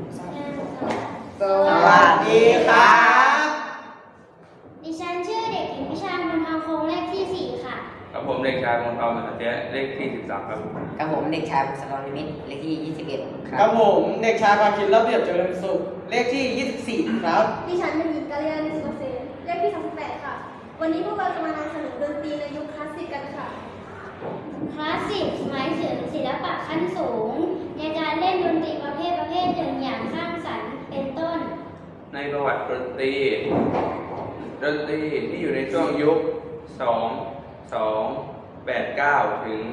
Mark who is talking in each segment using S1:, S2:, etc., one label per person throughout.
S1: สวัสดีครับ
S2: ดิฉันชื่อเด็กหญิงวิชาบุญทองคงเลขที่ 4 ค่ะ
S3: ครับผมเด็กชายมงคลมหาเตี้ยเลขที่13ครับ
S1: กับผมเด็กชายบุษกรนิมิตรเลขที่21ครั
S4: กับ ผมเด็กชายพาคินระเบียบเจริญสุขเลขที่ 24 ครับ
S5: ดิฉันเป็นหญิงกาลยาณิสุขเกษมเลขที่ 38 ค่ะ วันนี้พวกเราจะมานำเสนอดนตรีในยุคคลาสสิกกันค่ะ
S2: คลาสสิกหมายถึงศิลปะขั้นสูง ในการเล่นดนตรีประเภทหนึ่งอย่างสร้างสรรค์เป็นต้น
S3: ในประวัติดนตรีที่อยู่ในช่วงยุค2289ถึง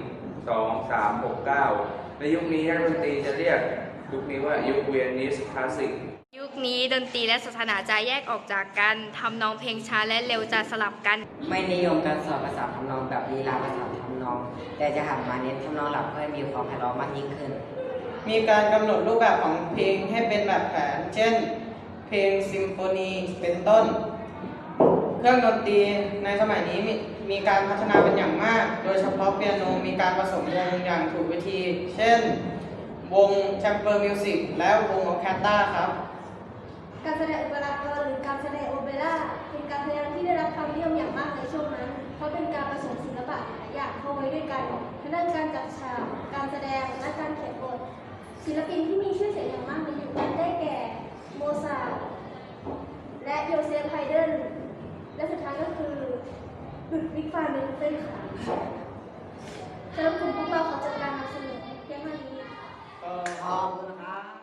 S3: 2369ในยุคนี้นักดนตรีจะเรียกยุคนี้ว่ายุคเวียนิสคลาสสิก
S6: ยุคนี้ดนตรีและศาสนาจะแยกออกจากกันทำนองเพลงช้าและเร็วจะสลับกัน
S1: ไม่นิยมการสอนภาษาทำนองแบบลีลาภาษาทำนอง แต่จะหันมาเน้นทำนองหลักเพื่อให้มีความไพเราะมากยิ่งขึ้น
S4: มีการกำหนดรูปแบบของเพลงให้เป็นแบบแผน เช่น เพลงซิมโฟนีเป็นต้น เครื่องดนตรีในสมัยนี้มีการพัฒนาเป็นอย่างมาก โดยเฉพาะเปียโนมีการผสมวงอย่างถูกวิธี เช่น วงแชมเปอร์มิวสิกและวงออร์เคสตราครับ
S5: การแสดงโอเปร่าหรือการแสดงโอเปร่าเป็นการแสดงที่ได้รับความนิยมอย่างมากในช่วงนั้น เพราะเป็นการผสมศิลปะหลายอย่างเข้าไว้ด้วยกันทั้งด้านการจัดฉาก การแสดง และการเขียนบท ศิลปินที่มีชื่อเสียงอย่างมากในยุคนั้นได้แก่ โมซาร์ทและโยเซฟไฮเดนและสุดท้ายก็คือลุดวิกฟานเบนเทนค่ะสำหรับกลุ่มพวกเราขอจัดการนำเสนอเพียงเท่านี้
S1: ขอบคุณครับ